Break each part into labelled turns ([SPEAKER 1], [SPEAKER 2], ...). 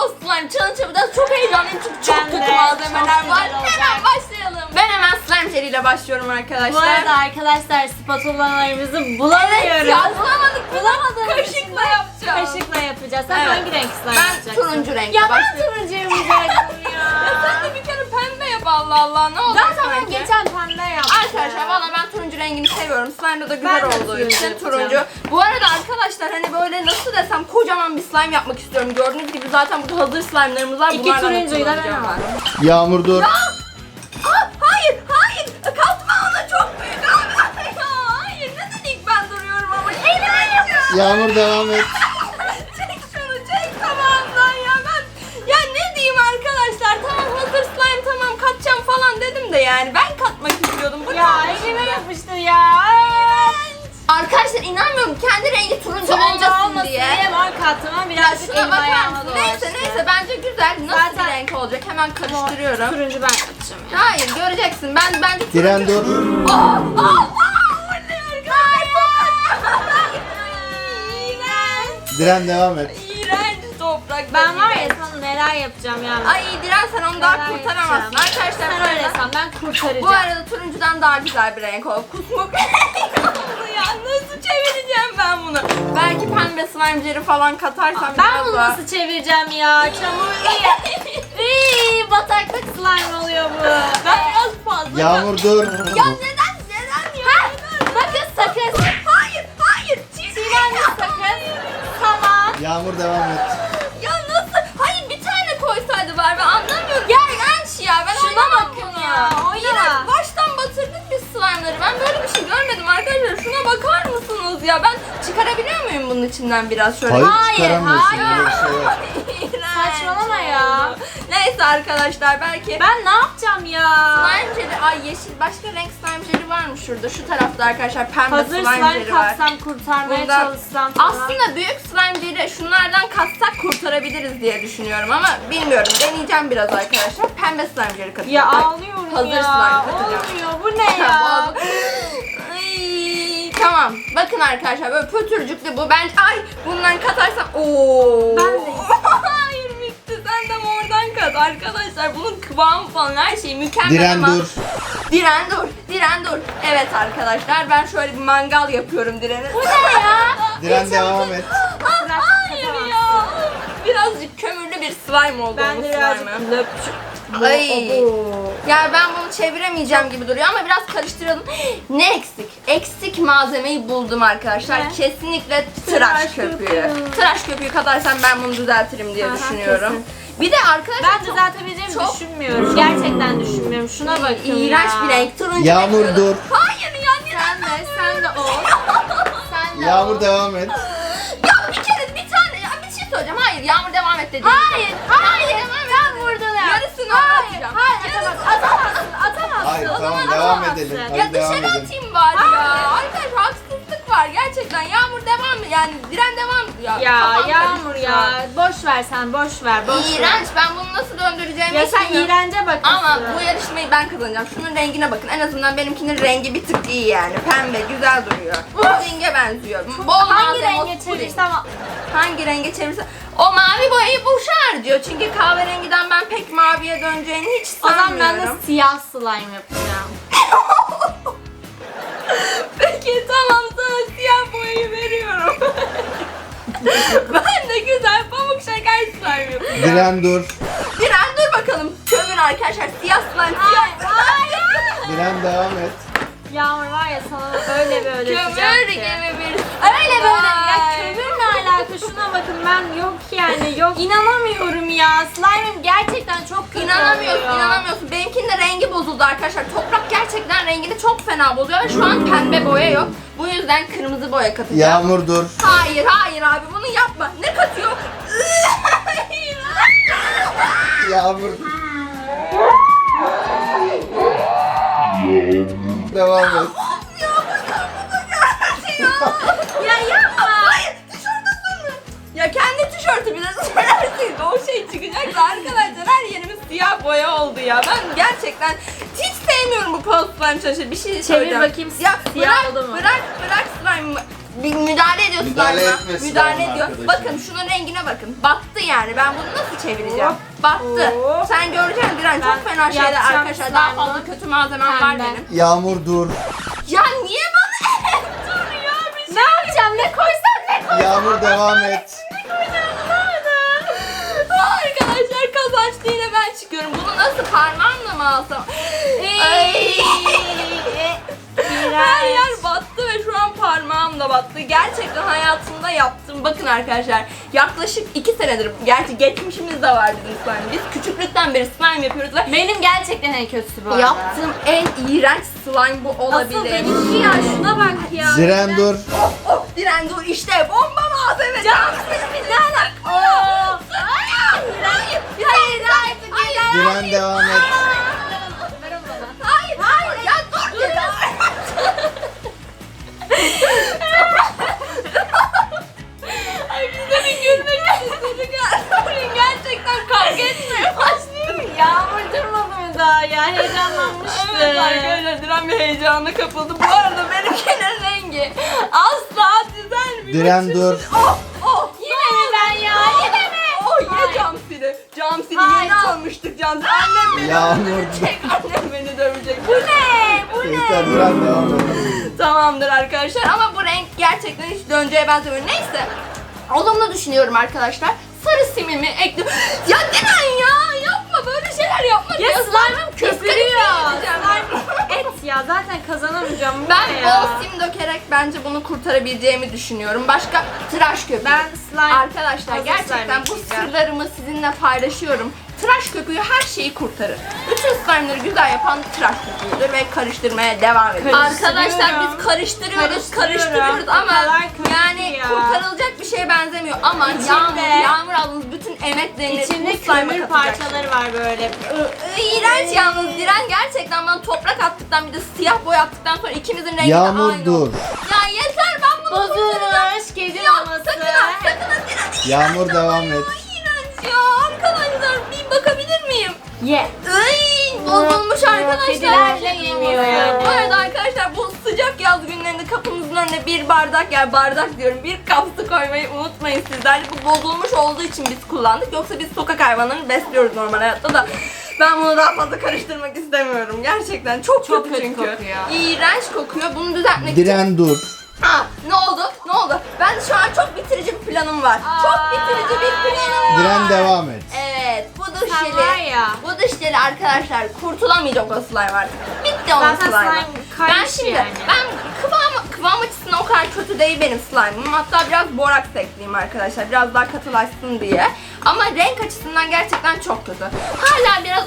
[SPEAKER 1] Post slime challenge yapacağız. Çok heyecanlıyım çünkü çok kötü malzemeler var. Hemen başlayalım. Ben hemen slime jeli ile başlıyorum arkadaşlar.
[SPEAKER 2] Bu arada arkadaşlar spatulalarımızı bulamıyoruz.
[SPEAKER 1] Evet yazlamadık. Kaşıkla yapacağız.
[SPEAKER 2] Kaşıkla yapacağız. Sen
[SPEAKER 1] Evet.
[SPEAKER 2] hangi renk slime yapacaksın?
[SPEAKER 1] Ben turuncu renkle
[SPEAKER 2] Ya ben
[SPEAKER 1] başlıyorum.
[SPEAKER 2] turuncu yapacaktım ya.
[SPEAKER 1] Sen de bir kere pembe yap Allah Allah. Ne oldu
[SPEAKER 2] Zaten ben
[SPEAKER 1] sanki?
[SPEAKER 2] geçen pembe yaptım.
[SPEAKER 1] Arkadaşlar valla ben turuncu rengini seviyorum. Slime'da da güzel
[SPEAKER 2] Ben de
[SPEAKER 1] olduğu
[SPEAKER 2] turuncu
[SPEAKER 1] için
[SPEAKER 2] yapacağım.
[SPEAKER 1] turuncu. Bu arada arkadaşlar hani böyle nasıl desem kocaman bir slime yapmak istiyorum. Gördüğünüz gibi zaten burada hazır slime'larımız var.
[SPEAKER 2] İki
[SPEAKER 1] Bunlardan da
[SPEAKER 2] turuncuyu da ben
[SPEAKER 1] kullanacağım
[SPEAKER 2] aldım.
[SPEAKER 3] Yağmur dur.
[SPEAKER 1] Hayır hayır katma ona çok büyük abi. Ya, hayır neden ilk ben duruyorum ama eğlen yapıyorum.
[SPEAKER 3] Yağmur devam et.
[SPEAKER 1] Çek şunu çek tamamdan ya ben. Ya ne diyeyim arkadaşlar tamam hazır slime tamam katacağım falan dedim de yani ben katmak istiyordum. Bu
[SPEAKER 2] Ya
[SPEAKER 1] ne?
[SPEAKER 2] elime yapıştı ya.
[SPEAKER 1] Arkadaşlar inanmıyorum kendi rengi turuncu olmasın diye.
[SPEAKER 2] Mor katıma birazcık
[SPEAKER 1] Şuna
[SPEAKER 2] elim
[SPEAKER 1] bakar
[SPEAKER 2] ayağıma
[SPEAKER 1] mısın?
[SPEAKER 2] dolaştı.
[SPEAKER 1] Neyse bence güzel. Nasıl
[SPEAKER 2] Zaten-
[SPEAKER 1] bir renk olacak? Hemen karıştırıyorum.
[SPEAKER 2] Turuncu ben katacağım ya.
[SPEAKER 1] Hayır göreceksin. Ben bence turuncu.
[SPEAKER 3] Diren dur.
[SPEAKER 1] Bu ne arkadaşlar? İğrenç.
[SPEAKER 3] Diren devam et.
[SPEAKER 1] İğrenç toprak.
[SPEAKER 2] Ben var ya sana neler yapacağım yani.
[SPEAKER 1] Ay Diren sen onu daha
[SPEAKER 2] Neler
[SPEAKER 1] kurtaramazsın.
[SPEAKER 2] yapacağım.
[SPEAKER 1] Arkadaşlar
[SPEAKER 2] Sen
[SPEAKER 1] bu
[SPEAKER 2] öyle
[SPEAKER 1] arada,
[SPEAKER 2] san ben kurtaracağım.
[SPEAKER 1] bu arada turuncudan daha güzel bir renk oldu. Kusmuk renk oldu ya. Nasıl çevireceğim ben bunu? Belki pembe slime jeli falan katarsam
[SPEAKER 2] Ben
[SPEAKER 1] biraz
[SPEAKER 2] bunu
[SPEAKER 1] daha-
[SPEAKER 2] nasıl çevireceğim ya? Çamurlu ya. İyi, bataklık slime oluyor bu.
[SPEAKER 1] Ben biraz fazla.
[SPEAKER 3] Yağmur dur.
[SPEAKER 1] Ya neden ya?
[SPEAKER 2] Bakın sakız.
[SPEAKER 1] Hayır, hayır.
[SPEAKER 2] Çiğnendi sakız. Tamam.
[SPEAKER 3] Yağmur devam et.
[SPEAKER 1] Ya nasıl? Hayır bir tane koysaydı var ben anlamıyorum. Ya iğrenç ya. Ben
[SPEAKER 2] Şuna
[SPEAKER 1] oynamam
[SPEAKER 2] bakın
[SPEAKER 1] bunu.
[SPEAKER 2] ya, oyna.
[SPEAKER 1] İğrenç. Baştan batırdık biz slime'ları. Ben böyle bir şey görmedim arkadaşlar. Şuna bakar mısınız ya? Ben çıkarabiliyor muyum bunun içinden biraz şöyle?
[SPEAKER 3] Hayır,
[SPEAKER 2] Hayır,
[SPEAKER 3] çıkaramıyorsun.
[SPEAKER 2] hayır.
[SPEAKER 3] Böyle bir şey yok.
[SPEAKER 1] İğrenç
[SPEAKER 2] Saçmalama ya.
[SPEAKER 1] oldu. Neyse arkadaşlar belki
[SPEAKER 2] Ben ne yapacağım ya?
[SPEAKER 1] slime jeli, ay yeşil başka renk slime jeli var mı şurada? Şu tarafta arkadaşlar pembe
[SPEAKER 2] Hazır
[SPEAKER 1] slime
[SPEAKER 2] slime
[SPEAKER 1] jeli var.
[SPEAKER 2] kapsam kurtarmaya
[SPEAKER 1] Bundan-
[SPEAKER 2] çalışsam falan.
[SPEAKER 1] Aslında büyük slime jeli şunlardan katsak kurtarabiliriz diye düşünüyorum ama bilmiyorum. Deneyeceğim biraz arkadaşlar. Pembe slime jeli katacağım.
[SPEAKER 2] Ya
[SPEAKER 1] Ay,
[SPEAKER 2] ağlıyorum
[SPEAKER 1] hazır
[SPEAKER 2] ya.
[SPEAKER 1] slime katacağım.
[SPEAKER 2] Olmuyor bu ne ya?
[SPEAKER 1] Ay, tamam. Bakın arkadaşlar böyle pötürcüklü bu. Ben ay bundan katarsam ooo.
[SPEAKER 2] Ben de.
[SPEAKER 1] Hayır bitti. Sen de mordan kat. Arkadaşlar bunun kıvamı falan her şey mükemmel
[SPEAKER 3] Diren
[SPEAKER 1] ama.
[SPEAKER 3] dur.
[SPEAKER 1] Diren dur. Diren dur. Evet arkadaşlar ben şöyle bir mangal yapıyorum Diren'e.
[SPEAKER 2] Bu ne ya?
[SPEAKER 3] Diren devam et.
[SPEAKER 2] Bırak,
[SPEAKER 1] Hayır
[SPEAKER 2] katamazsın.
[SPEAKER 1] ya. Birazcık kömürlü bir slime oldu.
[SPEAKER 2] Ben
[SPEAKER 1] bu
[SPEAKER 2] de birazcık
[SPEAKER 1] slime'ı.
[SPEAKER 2] löpçük.
[SPEAKER 1] Ay. Ya ben bunu çeviremeyeceğim gibi duruyor ama biraz karıştıralım. Ne eksik? Eksik malzemeyi buldum arkadaşlar.
[SPEAKER 2] Ne?
[SPEAKER 1] Kesinlikle tıraş
[SPEAKER 2] Tıraş
[SPEAKER 1] köpüğü.
[SPEAKER 2] köpüğü.
[SPEAKER 1] Tıraş köpüğü katarsam ben bunu düzeltirim diye
[SPEAKER 2] Aha,
[SPEAKER 1] düşünüyorum.
[SPEAKER 2] kesin.
[SPEAKER 1] Bir de arkadaşlar
[SPEAKER 2] Ben
[SPEAKER 1] çok
[SPEAKER 2] düzeltebileceğimi
[SPEAKER 1] çok-
[SPEAKER 2] düşünmüyorum. Gerçekten düşünmüyorum. Şuna bakın
[SPEAKER 1] iğrenç
[SPEAKER 2] ya.
[SPEAKER 1] bir renk. Turuncu
[SPEAKER 3] Yağmur
[SPEAKER 1] bekliyordum.
[SPEAKER 3] dur.
[SPEAKER 1] Hayır ya
[SPEAKER 2] Sen de ol. Sen de
[SPEAKER 3] Yağmur
[SPEAKER 2] ol.
[SPEAKER 3] devam et.
[SPEAKER 1] Ya bir kere bir tane ya bir şey söyleyeceğim. Hayır Yağmur devam et dedi.
[SPEAKER 2] Hayır, hayır. Sen vurdun ya.
[SPEAKER 1] Yarısını
[SPEAKER 2] Hayır,
[SPEAKER 1] atacağım.
[SPEAKER 2] hayır, atamazsın, atamazsın.
[SPEAKER 3] Hayır
[SPEAKER 2] O
[SPEAKER 3] tamam
[SPEAKER 2] zaman
[SPEAKER 3] devam
[SPEAKER 2] atamazsın.
[SPEAKER 3] edelim.
[SPEAKER 1] Ya
[SPEAKER 3] Hadi devam
[SPEAKER 1] dışarı
[SPEAKER 3] edelim.
[SPEAKER 1] atayım bari ya.
[SPEAKER 2] Hayır.
[SPEAKER 1] Arkadaşlar haksızlık var gerçekten. Yağmur devam yani Diren devam ya.
[SPEAKER 2] Ya
[SPEAKER 1] kafam
[SPEAKER 2] Yağmur
[SPEAKER 1] karıştı
[SPEAKER 2] ya. Boş ver sen, boş ver. Boş ver.
[SPEAKER 1] İğrenç. Ben bunu nasıl döndüreceğimi
[SPEAKER 2] Ya sen
[SPEAKER 1] bilmiyorum.
[SPEAKER 2] iğrence bakıyorsun.
[SPEAKER 1] Ama bu yarışmayı ben kazanacağım. Şunun rengine bakın. En azından benimkinin rengi bir tık iyi yani. Pembe, güzel duruyor. Pudinge benziyor. Bol
[SPEAKER 2] Hangi
[SPEAKER 1] malzeme
[SPEAKER 2] renge
[SPEAKER 1] puding.
[SPEAKER 2] çevirsem
[SPEAKER 1] Hangi renge çevirsem. O mavi boyayı boşa harcıyor. Çünkü kahverengiden ben pek maviye döneceğini hiç
[SPEAKER 2] o zaman
[SPEAKER 1] sanmıyorum.
[SPEAKER 2] ben de siyah slime yapacağım.
[SPEAKER 1] Peki tamam sana siyah boyayı veriyorum. Ben de güzel pamuk şeker slime yapıyorum.
[SPEAKER 3] Diren dur.
[SPEAKER 1] Diren dur bakalım. Kömür arkadaşlar siyah slime siyah.
[SPEAKER 2] Hayır.
[SPEAKER 3] Diren devam et.
[SPEAKER 2] Yağmur var ya sana öyle böyle
[SPEAKER 1] Kömür
[SPEAKER 2] ki.
[SPEAKER 1] gibi bir
[SPEAKER 2] Öyle böyle. Ya
[SPEAKER 1] slime.
[SPEAKER 2] kömürle alaka şuna bakın ben yok yani yok. İnanamıyorum ya. Slime'ım gerçekten çok kötü
[SPEAKER 1] İnanamıyorsun,
[SPEAKER 2] oluyor.
[SPEAKER 1] inanamıyorsun. Benimkinin de rengi bozuldu arkadaşlar. Toprak gerçekten rengini çok fena bozuyor ve şu an pembe boya yok. Bu yüzden kırmızı boya katacağım.
[SPEAKER 3] Yağmur dur.
[SPEAKER 1] Hayır, hayır abi bunu yapma. Ne katıyor?
[SPEAKER 3] Yağmur. Devam et.
[SPEAKER 1] Ya yapma. Hayır, tişörtü sürme. Ya kendi tişörtü bile sürersin. O şey çıkacak da arkadaşlar her yerimiz siyah boya oldu ya. Ben gerçekten hiç sevmiyorum bu post slime çalışır. Bir şey söyleyeceğim.
[SPEAKER 2] bakayım,
[SPEAKER 1] Ya
[SPEAKER 2] siyah
[SPEAKER 1] bırak,
[SPEAKER 2] oldu mu?
[SPEAKER 1] bırak slime. bir müdahale ediyor
[SPEAKER 3] Müdahale
[SPEAKER 1] slime'a.
[SPEAKER 3] etme
[SPEAKER 1] Müdahale
[SPEAKER 3] slime
[SPEAKER 1] ediyor.
[SPEAKER 3] arkadaşım.
[SPEAKER 1] Bakın şunun rengine bakın. Battı yani. Ben bunu nasıl çevireceğim?
[SPEAKER 2] Hop.
[SPEAKER 1] Battı.
[SPEAKER 2] Hop.
[SPEAKER 1] Sen göreceksin Diren, çok
[SPEAKER 2] Ben
[SPEAKER 1] fena şeyler
[SPEAKER 2] yapacağım
[SPEAKER 1] arkadaşlar. Daha
[SPEAKER 2] slime'ı.
[SPEAKER 1] fazla kötü malzemem var
[SPEAKER 2] Pembe.
[SPEAKER 1] benim.
[SPEAKER 3] Yağmur dur.
[SPEAKER 1] Ya niye bana dur ya bir şey.
[SPEAKER 2] Ne yapacağım? Ne koysam ne koysam?
[SPEAKER 3] Yağmur devam et.
[SPEAKER 1] Arkadaşlar kazançlı yine ben çıkıyorum. Bunu nasıl parmağımla mı alsam? Ay. Her yer battı ve şu an parmağım da battı. Gerçekten hayatımda yaptım. Bakın arkadaşlar yaklaşık 2 senedir, gerçi geçmişimiz de var bizim slime. Biz küçüklükten beri slime yapıyoruz ve
[SPEAKER 2] Benim gerçekten en kötüsü bu arada.
[SPEAKER 1] yaptığım en iğrenç slime bu
[SPEAKER 2] Asıl
[SPEAKER 1] olabilir.
[SPEAKER 2] benimki ya, şuna bak ya.
[SPEAKER 3] Diren dur.
[SPEAKER 1] Oh Diren dur, işte bomba malzeme. Canım ne alaka? Hayır.
[SPEAKER 3] Diren devam et.
[SPEAKER 2] Ver onu bana.
[SPEAKER 1] Hayır ya dur. Ay bize bir gülmek istedik ya. Gerçekten kavga etmeye başlıyor.
[SPEAKER 2] Yağmur durmadı mı daha ya? Heyecanlanmıştı.
[SPEAKER 1] Evet arkadaşlar Diren bir heyecana kapıldı. Bu arada benimkinin rengi asla düzelmiyor.
[SPEAKER 3] Diren dur.
[SPEAKER 1] Oh.
[SPEAKER 2] Yine mi ben ya? Yine mi?
[SPEAKER 1] Oh ye camsili. Camsili
[SPEAKER 2] Hayır,
[SPEAKER 1] yeni
[SPEAKER 2] çok-
[SPEAKER 1] almıştık camsili. Annem beni
[SPEAKER 3] Yağmur
[SPEAKER 1] dövecek. Annem beni dövecek. Bu
[SPEAKER 2] Ne? Bu ne?
[SPEAKER 3] Yeter Diren devam et.
[SPEAKER 1] Tamamdır arkadaşlar ama bu renk gerçekten hiç dönceye benzemiyor. Neyse. Olumlu düşünüyorum arkadaşlar. Sarı simimi ekledim. Ya Diren ya yapma böyle şeyler yapma.
[SPEAKER 2] Ya slime'ım köpürüyor.
[SPEAKER 1] Slime.
[SPEAKER 2] Et ya, zaten kazanamayacağım. Bu
[SPEAKER 1] Ben
[SPEAKER 2] ne ya?
[SPEAKER 1] bol sim dökerek bence bunu kurtarabileceğimi düşünüyorum. Başka tıraş köpüğü.
[SPEAKER 2] Ben slime-
[SPEAKER 1] Arkadaşlar
[SPEAKER 2] hazır
[SPEAKER 1] gerçekten
[SPEAKER 2] slime
[SPEAKER 1] bu
[SPEAKER 2] ekleyeceğim.
[SPEAKER 1] sırlarımı sizinle paylaşıyorum. Tıraş köpüğü her şeyi kurtarır. Bütün slime'ları güzel yapan tıraş köpüğüdür ve karıştırmaya devam ediyoruz.
[SPEAKER 2] Karıştırıyorum.
[SPEAKER 1] Arkadaşlar biz karıştırıyoruz
[SPEAKER 2] O
[SPEAKER 1] ama
[SPEAKER 2] kadar kötü
[SPEAKER 1] yani
[SPEAKER 2] ya.
[SPEAKER 1] kurtarılacak bir şeye benzemiyor ama
[SPEAKER 2] İçinde-
[SPEAKER 1] Yağmur ablanız bütün emeklerini
[SPEAKER 2] İçinde
[SPEAKER 1] bu slime'a
[SPEAKER 2] kömür
[SPEAKER 1] katacak.
[SPEAKER 2] parçaları var böyle.
[SPEAKER 1] İğrenç yalnız Diren gerçekten bana toprak attıktan bir de siyah boya attıktan sonra ikimizin rengi de
[SPEAKER 3] Yağmur
[SPEAKER 1] aynı
[SPEAKER 3] dur.
[SPEAKER 1] oldu. Ya yeter ben bunu kurtaracağım.
[SPEAKER 2] Bozulmuş kedi
[SPEAKER 1] Ya
[SPEAKER 2] maması.
[SPEAKER 1] sakın ha Diren.
[SPEAKER 3] Yağmur devam et.
[SPEAKER 1] İğrenç ya arkadaşlar bir bakabilir miyim?
[SPEAKER 2] Ye.
[SPEAKER 1] Ay, bozulmuş arkadaşlar.
[SPEAKER 2] Kediler bile yemiyor yani.
[SPEAKER 1] Bu arada arkadaşlar bu sıcak yaz günlerinde kapımızın önüne bir bardak, yani bardak diyorum, bir kap su koymayı unutmayın sizler. Bu bozulmuş olduğu için biz kullandık. Yoksa biz sokak hayvanlarını besliyoruz normal hayatta da. Ben bunu daha fazla karıştırmak istemiyorum. Gerçekten çok kötü çünkü.
[SPEAKER 2] kokuyor.
[SPEAKER 1] İğrenç kokuyor. Bunu düzeltmek için.
[SPEAKER 3] Diren dur.
[SPEAKER 1] Ha, ne oldu? Ne oldu? Ben şu an çok bitirici bir planım var. Çok bitirici bir planım var.
[SPEAKER 3] Diren devam et.
[SPEAKER 1] Evet, bu duş
[SPEAKER 2] Sen
[SPEAKER 1] jeli.
[SPEAKER 2] var ya.
[SPEAKER 1] Bu duş jeli arkadaşlar kurtulamayacak o slime artık. Bitti onun
[SPEAKER 2] Zaten
[SPEAKER 1] slime'ı.
[SPEAKER 2] slime
[SPEAKER 1] Ben
[SPEAKER 2] kaymış
[SPEAKER 1] şimdi,
[SPEAKER 2] yani.
[SPEAKER 1] ben kıvam açısından o kadar kötü değil benim slime'ım. Hatta biraz boraks ekleyeyim arkadaşlar. Biraz daha katılaşsın diye. Ama renk açısından gerçekten çok kötü. Hala biraz...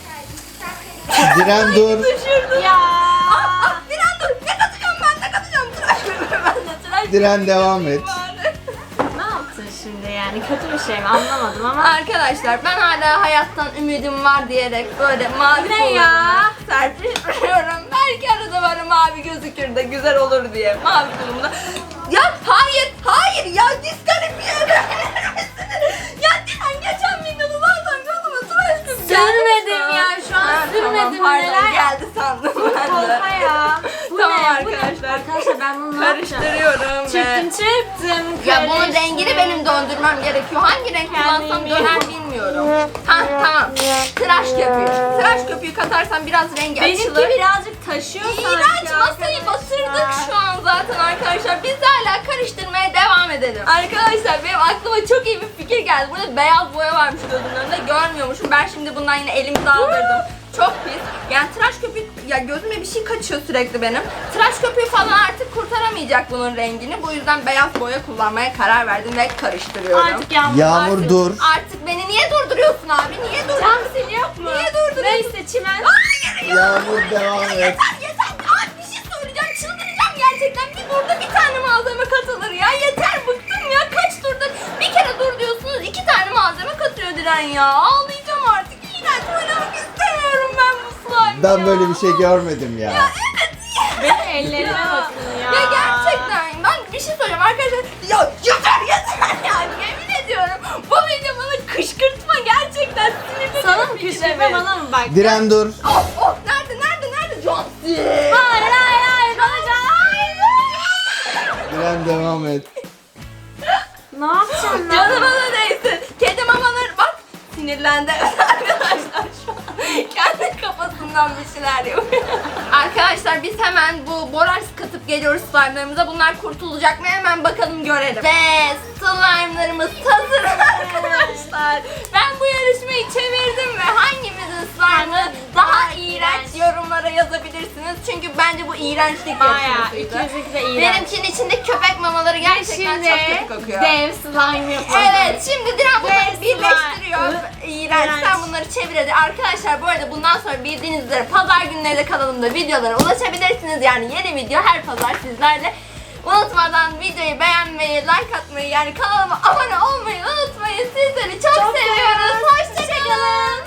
[SPEAKER 3] Diren dur.
[SPEAKER 1] Düşürdüm.
[SPEAKER 2] Ya.
[SPEAKER 1] Diren dur. Ne katacağım ben? Ne katacağım? Tıraş köpüğü ben de. Tıraş
[SPEAKER 3] Diren devam et.
[SPEAKER 1] bari.
[SPEAKER 2] Ne yaptın şimdi yani? Kötü bir şey mi? Anlamadım ama.
[SPEAKER 1] Arkadaşlar ben hala hayattan ümidim var diyerek böyle mavi
[SPEAKER 2] Ne
[SPEAKER 1] kollarımı
[SPEAKER 2] ya?
[SPEAKER 1] serpiştiriyorum. Belki arada böyle mavi gözükür de güzel olur diye mavi kolumda. Ya hayır ya diskalifiye edebilir misiniz? Ya Dilan geçen videoda zaten gözüme tıraş köpüğü geldi.
[SPEAKER 2] Sürmedim ya, şu an sürmedim.
[SPEAKER 1] Pardon
[SPEAKER 2] Neler
[SPEAKER 1] geldi sandım ben de.
[SPEAKER 2] Kolpa ya. Bu
[SPEAKER 1] Tamam
[SPEAKER 2] ne? Bu ne?
[SPEAKER 1] arkadaşlar.
[SPEAKER 2] Arkadaşlar ben bunu ne yapacağım?
[SPEAKER 1] Karıştırıyorum ve...
[SPEAKER 2] Çırptım.
[SPEAKER 1] Ya bunun rengini benim döndürmem gerekiyor. Hangi renk kullansam döner bilmiyorum. Ha tamam. Tıraş köpüğü. Tıraş köpüğü katarsan biraz rengi
[SPEAKER 2] Benimki
[SPEAKER 1] açılır.
[SPEAKER 2] birazcık taşıyor sanki.
[SPEAKER 1] İğrenç masayı batırdık şu an zaten arkadaşlar. Biz hala karıştırmaya devam edelim. Arkadaşlar benim aklıma çok iyi bir fikir geldi. Burada beyaz boya varmış gözümün önünde. Görmüyormuşum. Ben şimdi bundan yine elimi daldırdım. Çok pis. Yani tıraş köpüğü, ya gözüme bir şey kaçıyor sürekli benim. Tıraş köpüğü falan artık kurtaramayacak bunun rengini. Bu yüzden beyaz boya kullanmaya karar verdim ve karıştırıyorum.
[SPEAKER 2] Artık yağmur.
[SPEAKER 3] Yağmur dur.
[SPEAKER 1] Artık beni niye durduruyorsun abi? Niye
[SPEAKER 2] Cam
[SPEAKER 1] durduruyorsun?
[SPEAKER 2] sil yok mu?
[SPEAKER 1] Niye durduruyorsun?
[SPEAKER 2] Neyse çimen.
[SPEAKER 1] Hayır ya.
[SPEAKER 3] Yağmur devam et.
[SPEAKER 1] Yeter. Abi bir şey söyleyeceğim. Çıldıracağım gerçekten. Bir turda bir tane malzeme katılır ya. Yeter bıktım ya. Kaç turda bir kere dur diyorsunuz. 2 tane malzeme katıyor Diren ya. Ağlayacağım artık. İğrenç oynamak istemiyorum ben bu slime
[SPEAKER 3] Ben
[SPEAKER 1] ya.
[SPEAKER 3] böyle bir şey görmedim ya.
[SPEAKER 2] Benim ellerime bakın ya.
[SPEAKER 1] Ya gerçekten ben bir şey söyleyeceğim arkadaşlar. Ya yeter ya. Yemin ediyorum. Bu video bana kışkırtma gerçekten sinirli.
[SPEAKER 2] Sana mı kışkırtma, bana mı bak?
[SPEAKER 3] Diren dur.
[SPEAKER 1] Oh nerede John C.
[SPEAKER 2] Hayır. Bana can.
[SPEAKER 3] Diren İrem devam et.
[SPEAKER 2] Ne yapacağım ben?
[SPEAKER 1] Canıma da değsin. Kedi mamaları bak sinirlendi arkadaşlar şu an. Kendi kafasından bir şeyler yapıyor. Arkadaşlar biz hemen bu boraks katıp geliyoruz slime'larımıza. Bunlar kurtulacak mı? Hemen bakalım görelim. Ve slime'larımız hazır arkadaşlar. Ben bu yarışmayı çevirdim ve hangimizin slime'ı daha iğrenç yorumlara yazabilirsiniz. Çünkü bence bu iğrençlik
[SPEAKER 2] Bayağı
[SPEAKER 1] yarışmasıydı.
[SPEAKER 2] ikimizinki de iğrenç.
[SPEAKER 1] Benimkinin içinde köpek mamaları gerçekten
[SPEAKER 2] Şimdi
[SPEAKER 1] çok kötü kokuyor.
[SPEAKER 2] dev slime yapalım.
[SPEAKER 1] Evet, şimdi Dilan bunları
[SPEAKER 2] Ve
[SPEAKER 1] birleştiriyor. İğrenç.
[SPEAKER 2] İğrenç.
[SPEAKER 1] Sen bunları çevir hadi. Arkadaşlar bu arada bundan sonra bildiğiniz üzere pazar günleri de kanalımda videolara ulaşabilirsiniz. Yani yeni video her pazar sizlerle. Unutmadan videoyu beğenmeyi, like atmayı, yani kanalıma abone olmayı unutmayın. Sizleri çok seviyoruz. Hoşçakalın.